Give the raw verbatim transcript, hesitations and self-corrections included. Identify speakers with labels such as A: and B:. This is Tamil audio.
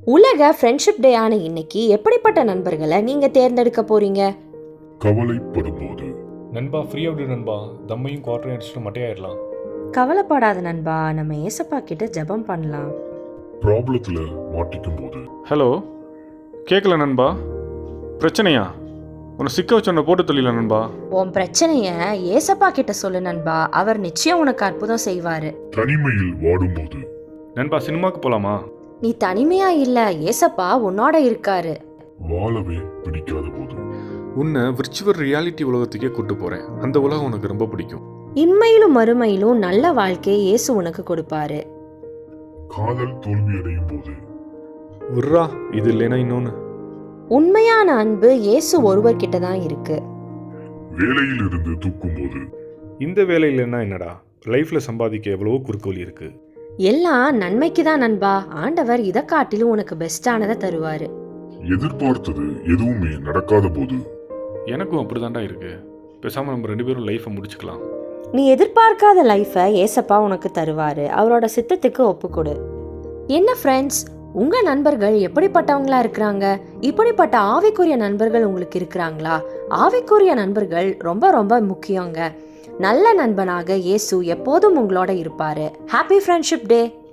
A: உலக ஃப்ரெண்ட்ஷிப் டே ஆன இன்னைக்கு எப்படிப்பட்ட நண்பர்களை நீங்க தேர்ந்தெடுக்க போறீங்க?
B: கவலைப்படும்போது
C: நண்பா ஃப்ரீயாக விடு நண்பா, தம்மையும் குவார்டரையும் அடிச்சுட்டு மட்டையாயிடலாம்.
A: கவலைப்படாத நண்பா, நம்ம ஏசப்பா கிட்ட ஜெபம் பண்ணலாம்.
B: ப்ராப்ளத்துல மாட்டிக்கும் போது
C: ஹலோ, கேட்கல நண்பா. பிரச்சனையா? உன்னை சிக்க வச்சு உன்னை போட்டு தொழில நண்பா.
A: உன் பிரச்சனைய ஏசப்பா கிட்ட சொல்லு நண்பா, அவர் நிச்சயம் உனக்கு அற்புதம் செய்வாரு.
B: தனிமையில் வாடும்போது
C: நண்பா சினிமாக்கு போகலாமா?
A: நீ தனிமையா இல்ல, ஏசப்பா உன்னோட இருக்காரு.
B: வாழவே பிடிக்காத போது
C: உன்னை விர்ச்சுவல் ரியாலிட்டி உலகத்துக்கே கூட்டு போகிறேன். அந்த உலகம் உனக்கு ரொம்ப பிடிக்கும்.
A: இன்மையிலும் மறுமையிலும் நல்ல வாழ்க்கையை இயேசு உனக்கு கொடுப்பாரு.
B: காதல் தோல்வியடையும் போது
C: விட்றா, இது இல்லைன்னா இன்னொன்று.
A: உண்மையான அன்பு இயேசு ஒருவர் கிட்ட தான் இருக்கு.
B: வேலையில் இருந்து தூக்கும் போது
C: இந்த வேலை இல்லைன்னா என்னடா, லைஃப்பில் சம்பாதிக்க எவ்வளவோ குறுக்கு வழி இருக்குது.
A: எல்லாம் நன்மைக்கு தான் நண்பா. ஆண்டவர் இதை காட்டிலும் உனக்கு பெஸ்டானதை தருவாரு.
B: எதிர்பார்த்தது எதுவுமே நடக்காத போது
C: எனக்கும் அப்படி தாண்டா இருக்கு. பேசாமல் நம்ம ரெண்டு பேரும் லைஃப்பை முடிச்சுக்கலாம்.
A: நீ எதிர்பார்க்காத லைஃபை ஏசப்பா உனக்கு தருவாரு. அவரோட சித்தத்துக்கு ஒப்புக்கொடு. என்ன ஃப்ரெண்ட்ஸ், உங்க நண்பர்கள் எப்படிப்பட்டவங்களா இருக்கிறாங்க? இப்படிப்பட்ட ஆவிக்குரிய நண்பர்கள் உங்களுக்கு இருக்கிறாங்களா? ஆவிக்குரிய நண்பர்கள் ரொம்ப ரொம்ப முக்கியங்க. நல்ல நண்பனாக இயேசு எப்போதும் உங்களோட இருப்பாரு. ஹாப்பி ஃப்ரெண்ட்ஷிப் டே.